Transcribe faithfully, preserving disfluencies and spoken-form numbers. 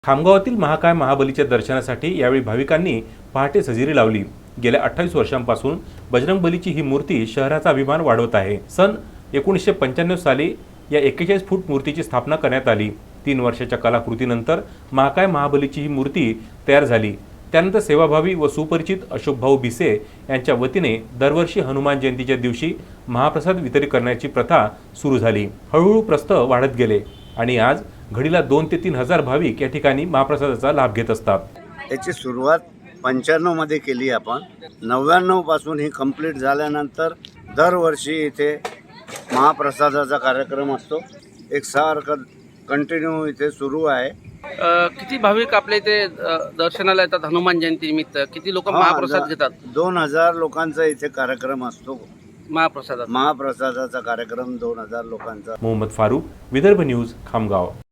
खामगावातील महाकाय महाबलीच्या दर्शनासाठी यावेळी भाविकांनी पहाटे हजेरी लावली। गेल्या अठ्ठावीस वर्षांपासून बजरंगबलीची ही मूर्ती शहराचा अभिमान वाढवत आहे। सन एकोणीसशे पंच्याण्णव साली या एक्केचाळीस फूट मूर्तीची स्थापना करण्यात आली। तीन वर्षाच्या कलाकृतीनंतर महाकाय महाबलीची ही मूर्ती तयार झाली। त्यानंतर सेवाभावी व सुपरिचित अशोक भाऊ भिसे यांच्या वतीने दरवर्षी हनुमान जयंतीच्या दिवशी महाप्रसाद वितरित करण्याची प्रथा सुरू झाली। हळूहळू प्रस्थ वाढत गेले आणि आज घडीला दोन ते तीन हजार भाविक या ठिकाणी महाप्रसादाचा लाभ घेत असतात। याची सुरुवात पंच्याण्णव मध्ये केली आपण। नव्याण्णव पासून ही कंप्लीट झाल्यानंतर दरवर्षी इथे महाप्रसादाचा कार्यक्रम असतो। एक सारखं कंटिन्यू इथे सुरू आहे। किती भाविक आपल्या इथे दर्शनाला येतात हनुमान जयंती निमित्त? किती लोक महाप्रसाद घेतात? दोन हजार लोकांचा इथे कार्यक्रम असतो। महाप्रसादाचा महाप्रसादाचा कार्यक्रम दोन हजार लोकांचा। मोहम्मद फारूक, विदर्भ न्यूज, खामगाव।